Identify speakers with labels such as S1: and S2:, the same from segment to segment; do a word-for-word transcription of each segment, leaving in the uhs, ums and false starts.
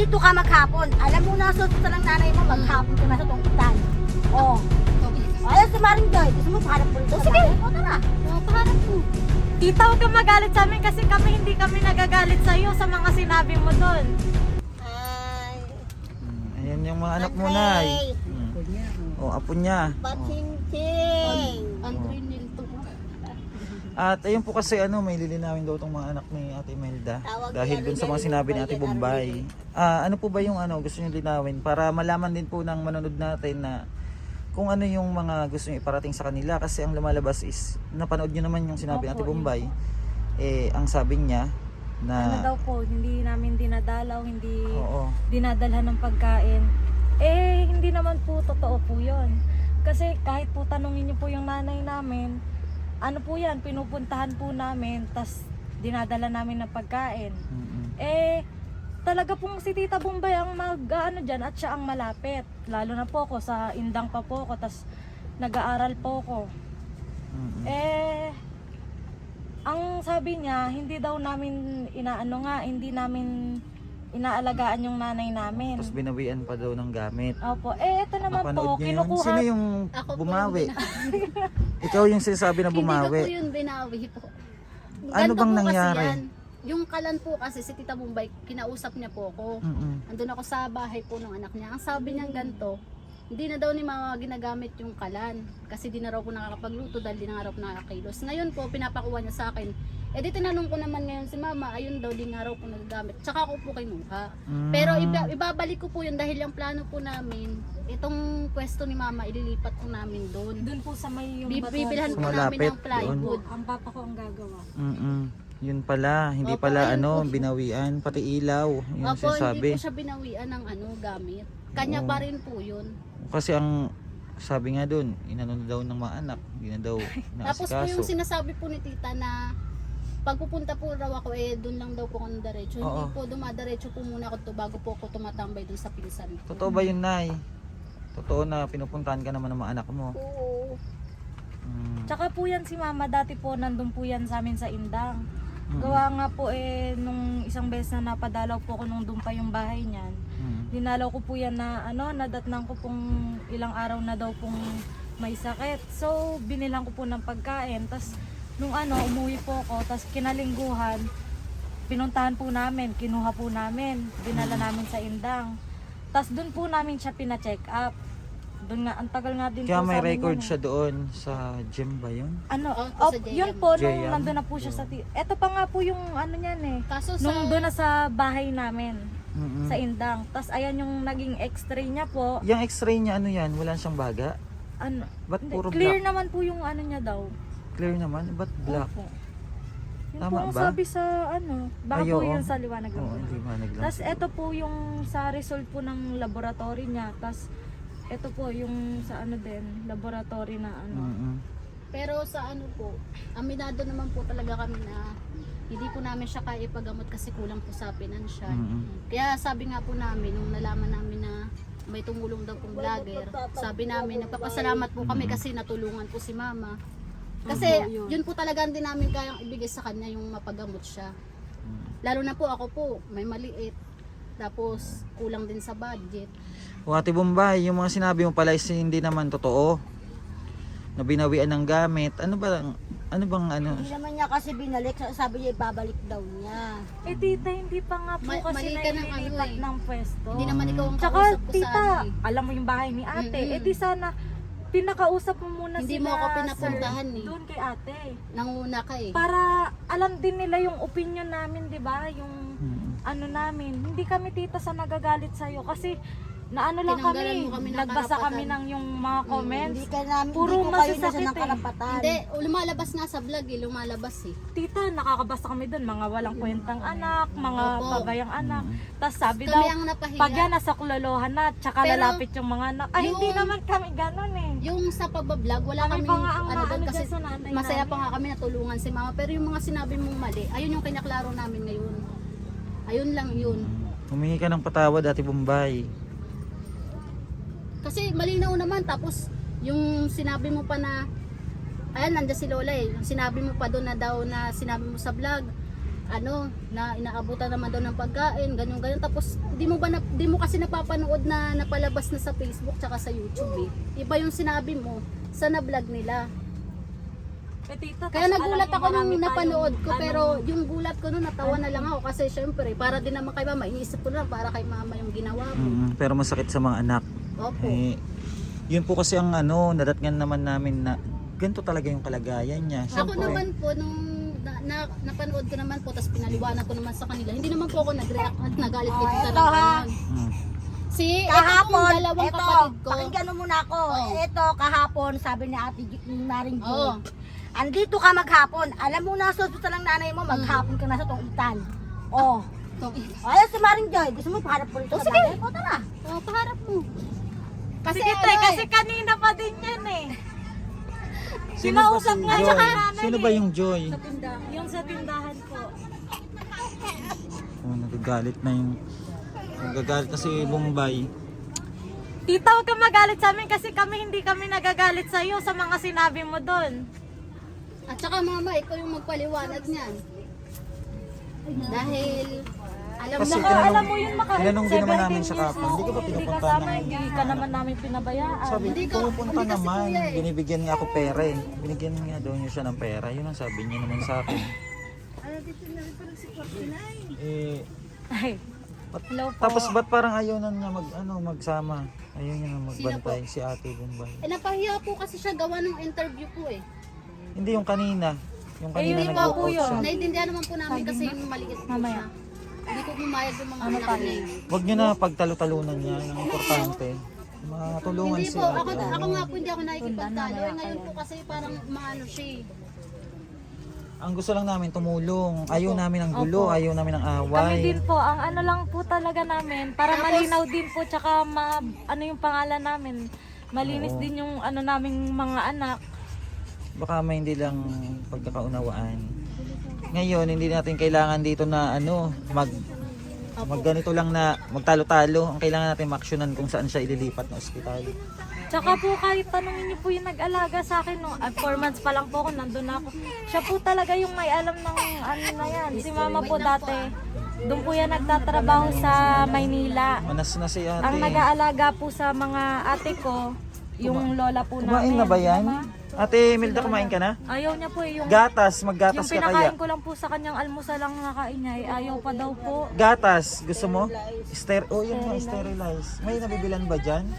S1: Dito ka maghapon. Alam mo na, susunod ng nanay mo, maghapon ka na sa tungkutan. Oo. Oh. Ayun si Maring Joy. Gusto mo paharap po ito? Sige. O, tara. O, paharap po.
S2: Tita, huwag kang magalit sa amin kasi kami hindi kami nagagalit sa iyo sa mga sinabi mo doon.
S1: Ay.
S3: Hmm, ayan yung mga anak mo, Nay. Hmm. O, apo niya.
S1: Pachingsing.
S2: Andre Nilto.
S3: At ayun po kasi ano, may lilinawin daw tong mga anak ni Ate Imelda
S1: Tawag
S3: dahil
S1: ni
S3: dun sa mga
S1: Arvin,
S3: sinabi ni Ate
S1: Arvin.
S3: Bombay. Ah, ano po ba yung ano gusto niyo linawin para malaman din po ng manonood natin na kung ano yung mga gusto niyo iparating sa kanila kasi ang lumalabas is napanood niyo naman yung sinabi ni Ate
S2: Opo,
S3: Bombay. Eh ang sabi niya
S2: Ano
S3: na
S2: daw po, hindi namin dinadalaw, hindi
S3: oo.
S2: dinadalhan ng pagkain. Eh, hindi naman po totoo po yun. Kasi kahit po tanungin niyo po yung nanay namin, ano po yan, pinupuntahan po namin, tas dinadala namin ng pagkain.
S3: Mm-mm.
S2: Eh, talaga pong si Tita Bombay ang mag-ano dyan at siya ang malapit. Lalo na po ako, sa Indang pa po ako, tas nag-aaral po ako.
S3: Mm-mm.
S2: Eh, ang sabi niya, hindi daw namin inaano nga, hindi namin inaalagaan yung nanay namin.
S3: Tapos binawian pa daw ng gamit.
S2: Opo, eh ito naman
S3: Napanood
S2: po,
S3: niyo yun?
S2: kinukuha.
S3: Sino yung
S4: Ako po
S3: bumawi? Ikaw yung sinasabi na
S4: Hindi ko po
S3: bumawi.
S4: yun binawi po.
S3: Ano
S4: Ganito
S3: bang
S4: po kasi
S3: nangyari?
S4: yan. Yung kalan po kasi si Tita Bombay, kinausap niya po ako.
S3: Mm-mm.
S4: Andun ako sa bahay po ng anak niya. Ang sabi niya ganito, hindi na daw ni mama ginagamit yung kalan. Kasi di na raw po nakakapagluto dahil di na nga raw po nakakakilos. Ngayon po, pinapakuha niya sa akin. Eh di tinanong ko naman ngayon si mama, ayun daw di nga raw po nagagamit. Tsaka ako po kinuha.
S3: Mm.
S4: Pero iba, ibabalik ko po yun dahil yung plano po namin, itong pwesto ni mama, ililipat po namin doon.
S2: Doon po sa may yung
S4: Bi-
S2: batuan
S4: Bibilhan
S2: po.
S4: po
S3: Malapit
S4: namin ng plywood.
S2: Ang papa ko ang gagawa.
S3: Mm-mm. Yun pala, hindi
S4: Opo,
S3: pala
S4: ayun
S3: ano,
S4: po.
S3: binawian, pati ilaw. Yun
S4: Opo, hindi
S3: sinasabi.
S4: po siya binawian ng ano, gamit. Kanya
S3: Oo.
S4: pa rin po yun.
S3: Kasi ang sabi nga doon, inano na daw ng mga anak, hindi na daw
S4: Tapos po yung
S3: naasikaso.
S4: sinasabi po ni tita na pagpupunta po raw ako eh doon lang daw po ako diretso. Hindi
S3: Oo.
S4: po dumadiretso po muna ako to bago po ako tumatambay doon sa pinsan ko.
S3: Totoo ba yun, Nay? Totoo na pinupuntahan ka naman ng mga anak mo.
S4: Oo.
S3: Mm.
S2: Tsaka po yan si mama, dati po nandun po yan sa amin sa Indang.
S3: Mm.
S2: Gawa nga po eh, nung isang beses na napadalaw po ako nung doon pa yung bahay niyan.
S3: Mm.
S2: Dinalaw ko po yan na ano, nadatnang ko pong ilang araw na daw pong may sakit. So, binilang ko po ng pagkain. Tapos, nung ano, umuwi po ako. Tapos, kinalingguhan, pinuntahan po namin, kinuha po namin, dinala namin sa Indang. Tapos, doon po namin siya pina-check up. Doon nga, ang tagal nga din
S3: Kaya
S2: po
S3: may
S2: sa amin
S3: record
S2: yun, eh.
S3: siya doon sa gym ba yun?
S2: Ano,
S4: Opo,
S2: op,
S4: sa J M.
S2: yun po, nung
S3: J M.
S2: nandun na po siya sa... ti- Eto pa nga po yung ano niyan eh.
S4: Kaso sa
S2: Nung doon na sa bahay namin,
S3: Mm-mm.
S2: sa Indang. Tapos ayan yung naging x-ray niya po.
S3: Yung x-ray niya, ano yan? Wala siyang baga?
S2: Ano,
S3: Ba't
S2: hindi,
S3: puro
S2: clear
S3: black?
S2: naman po yung ano niya daw.
S3: Clear naman? Ba't black?
S2: Opo. Yun
S3: Tama
S2: po ang
S3: ba?
S2: sabi sa ano, baka
S3: Ay,
S2: po
S3: oo.
S2: yun sa liwanag
S3: Oo,
S2: lang.
S3: hindi ba naglang
S2: Tapos eto po yung sa result po ng laboratory niya. Tapos eto po yung sa ano din, laboratory na ano.
S3: Mm-mm.
S4: pero sa ano po, aminado naman po talaga kami na hindi po namin siya kaya ipagamot kasi kulang po sa pinansyal.
S3: Mm-mm.
S4: Kaya sabi nga po namin, nung nalaman namin na may tumulong daw pong vlogger, sabi namin, nagpapasalamat po kami kasi natulungan po si mama. Kasi
S2: Opo, yun.
S4: yun po talaga hindi namin kayang ibigay sa kanya yung mapagamot siya. Lalo na po ako po, may maliit. Tapos kulang din sa budget.
S3: O Ate Bombay, yung mga sinabi mo pala is hindi naman totoo. Na binawian ng gamit. Ano ba, ano bang ano?
S1: Hindi naman niya kasi binalik. Sabi niya ibabalik daw niya.
S2: Eh tita, hindi pa nga po
S4: Ma-
S2: kasi
S4: mali ka ng ano
S2: naililipat
S4: eh.
S2: ng pwesto.
S4: Hindi naman ikaw ang
S2: Tsaka
S4: kausap ko
S2: tita,
S4: sa ano eh.
S2: alam mo yung bahay ni ate.
S4: Mm-mm.
S2: Eh di sana pinakausap mo muna
S4: Hindi
S2: sila,
S4: mo ako pinapuntahan
S2: sir,
S4: eh.
S2: doon kay ate.
S4: Nanguna ka eh.
S2: Para alam din nila yung opinion namin, 'di ba? Yung
S3: Mm.
S2: ano namin. Hindi kami tita sa nagagalit sa kasi na ano lang
S4: Tinanggalan
S2: kami,
S4: mo kami ng
S2: nagbasa
S4: karapatan.
S2: kami ng yung mga comments.
S1: Hindi ka namin,
S2: Puro
S1: hindi ko kayo
S2: masasakit
S1: nasa ng
S2: eh.
S1: karapatan.
S4: Hindi, lumalabas nga sa vlog eh, lumalabas eh.
S2: Tita, nakakabasa kami doon, mga walang kwentang anak, mga
S4: Opo.
S2: pabayang anak.
S3: Mm.
S2: Tapos sabi
S4: Kami
S2: daw,
S4: ang napahiya.
S2: pag yan nasa kulolohan na, tsaka
S4: Pero,
S2: lalapit yung mga anak. Ay, hindi
S4: yung-
S2: naman kami ganun eh.
S4: Yung sa pagbablog, wala
S2: Kami
S4: kami,
S2: pa nga ang
S4: ano doon
S2: maano
S4: kasi
S2: dyan sa nanay
S4: masaya
S2: namin.
S4: pa nga kami natulungan si mama. Pero yung mga sinabi mong mali, ayun yung kinaklaro namin ngayon. Ayun lang yun.
S3: Humingi ka ng patawad, Ate Bombay.
S4: Kasi malinaw naman, tapos yung sinabi mo pa na, ayan, nandiyan si Lola eh, yung sinabi mo pa doon na daw na sinabi mo sa vlog, ano, na inaabutan naman daw ng pagkain, ganyan ganyan. Tapos di mo ba na, di mo kasi napapanood na napalabas na sa Facebook tsaka sa YouTube eh. Iba yung sinabi mo sa na-vlog nila.
S2: Eh, tita,
S4: Kaya
S2: tas
S4: nagulat
S2: alam mo,
S4: ako nung
S2: marami
S4: napanood
S2: tayong,
S4: ko,
S2: ano,
S4: pero yung gulat ko nung natawa na lang ako kasi syempre para din naman kay mama, iniisip ko na lang para kay mama yung ginawa mo.
S3: Mm, pero masakit sa mga anak.
S4: Opo.
S3: Eh, yun po kasi ang ano, nadatngan naman namin na ganito talaga yung kalagayan niya.
S4: Ako
S3: Siyempre,
S4: naman po, nung na, na, napanood ko naman po, tapos pinaliwanag ko naman sa kanila, hindi naman po ako nag-react at nagalit kay tita
S1: ito,
S4: ng
S1: ha?
S4: ganon.
S3: mm,
S4: Si, ito
S1: Kahapon,
S4: pong dalawang
S1: ito,
S4: kapatid ko.
S1: pakinggan mo muna ako.
S4: Oh.
S1: Ito, kahapon, sabi ni Ate G- ni Maring G.
S4: Oo.
S1: Andito ka maghapon. Alam mo, nasa hospital ang nanay mo, maghapon ka nasa tungitan. Oh.
S4: Itong-
S1: Ayun si Maring Joy. Gusto mo paharap po rito?
S4: Oh,
S1: sa
S4: sige.
S1: bagay? O, tara.
S4: Oh, paharap mo. Kasi
S2: Sige,
S4: ano
S2: tay,
S4: eh,
S2: kasi kanina pa din yan eh.
S3: sino ba
S2: Kinausap
S3: si
S2: nga
S3: Joy?
S2: siya kay nanay
S3: Sino
S2: eh.
S3: ba yung Joy?
S4: sa tindahan.
S2: Yung sa tindahan po.
S3: Oh, nagagalit na yung nagagalit na si Bombay.
S2: Tita, huwag ka magalit sa amin kasi kami hindi kami nagagalit sa iyo sa mga sinabi mo doon.
S4: At saka mama, ikaw yung magpaliwanag niyan. Dahil, alam
S3: Kasi
S4: mo,
S3: tinanong-
S2: alam mo yun, maka
S3: tinanong din naman namin
S2: seventeen
S3: siya
S2: years
S3: kapon,
S2: na
S3: hindi ka ba
S2: ako,
S3: pinupunta
S2: kasama,
S3: ng-
S2: Hindi ka naman namin pinabayaan.
S3: Sabi,
S4: Hindi ka-
S3: pumupunta
S4: hindi kasi
S3: naman.
S4: kuya eh.
S3: Binibigyan nga ako pera eh. Binigyan nga daw niya siya ng pera. Yun ang sabi niya naman sa akin. Eh,
S2: Ay,
S3: Ba't-
S2: hello po.
S3: tapos ba't parang ayaw na niya mag, ano, magsama? Ayaw niya na magbantay si Ate Bombay.
S4: eh napahiya po kasi siya gawa ng interview po eh.
S3: Hindi yung kanina. Yung
S2: Eh,
S3: kanina
S2: yun
S3: nag
S2: pa
S3: walk
S2: po
S3: out
S2: yun.
S3: siya.
S4: Naiintindihan naman po namin kasi yung maliit po
S2: Mamaya.
S4: siya. Hindi ko pumayag yung mga
S2: Ano
S4: anak
S2: pa
S4: niya.
S2: yun?
S4: eh.
S3: Huwag niyo na pagtalo-talunan niya. Yung importante. Matulungan
S4: Hindi
S3: si
S4: po, ako,
S3: Ate.
S4: ako nga po hindi ako nakikipagtalo. Eh, ngayon po kasi parang maano siya eh.
S3: Ang gusto lang namin tumulong. Ayaw namin ng gulo.
S2: Opo.
S3: Ayaw namin ng
S2: Kami
S3: away.
S2: din po, ang ano lang po talaga namin, para
S4: Tapos-
S2: malinaw din po, tsaka ma, ano yung pangalan namin, malinis
S3: Oo.
S2: din yung ano naming mga anak.
S3: Baka may hindi lang pagkakaunawaan. Ngayon, hindi natin kailangan dito na ano, mag mag ganito lang na magtalo-talo. Ang kailangan natin maksyonan kung saan siya ililipat na ospital.
S2: Tsaka po kahit tanungin niyo po yung nag-alaga sa akin, no, at four months pa lang po ako, nandun na ako. Siya po talaga yung may alam ng ano na yan. Si mama po dati, doon po yan nagtatrabaho sa Maynila.
S3: Manas na si ate.
S2: Ang nag-aalaga po sa mga ate ko, yung lola po
S3: Kumain
S2: namin.
S3: na ba yan?
S2: Mama,
S3: Ate Milda, kumain ka na?
S2: ayaw niya po eh, yung,
S3: Gatas,
S2: yung
S3: maggatas ka kaya.
S2: pinakain ko lang po sa kanyang almusal lang nakain niya, eh, ayaw pa daw po.
S3: Gatas, gusto mo? Ster oh, yun nga, sterilize. May nabibilan ba dyan?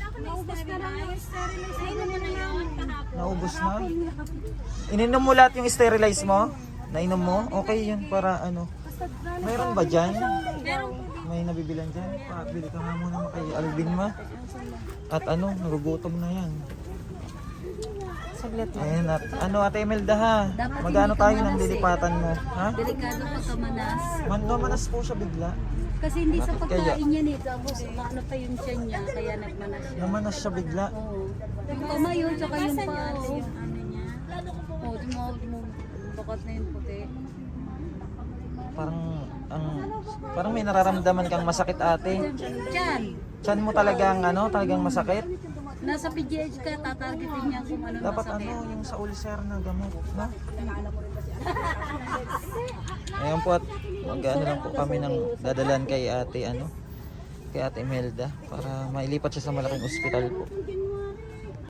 S3: Naubos na? Ininom mo lahat yung sterilize mo? Nainom mo? Okay yun para ano. Mayroon ba dyan? May nabibilan dyan? Pabili ka nga muna kay Alvin ma. At ano, nagugutom na yan.
S2: Saglit lang.
S3: Ayan at ano Ate Imelda ha? Magano tayo ng lilipatan mo? Ha?
S4: Delikado pagkamanas.
S3: Mando manas po siya bigla.
S4: Kasi hindi sa
S3: Bakit kaya?
S4: pagkain niya nito. Tapos maano pa yung tiyan niya, kaya nagmanas siya.
S3: Namanas siya bigla.
S4: Oo. Yung kamay yun, tsaka yung pa. Oo, oh, di mo, di mo, bakot na yung puti.
S3: Parang ang parang may nararamdaman kang masakit ate.
S4: Diyan,
S3: Tiyan mo talagang ano, talagang masakit.
S4: nasa P G H ka, tatargetin niya kung ano
S3: Dapat
S4: masakit.
S3: ano, yung sa ulcer na gamot, no? Ayun po at mag-ano lang po kami ng dadalan kay ate ano, kay ate Imelda para mailipat siya sa malaking ospital po.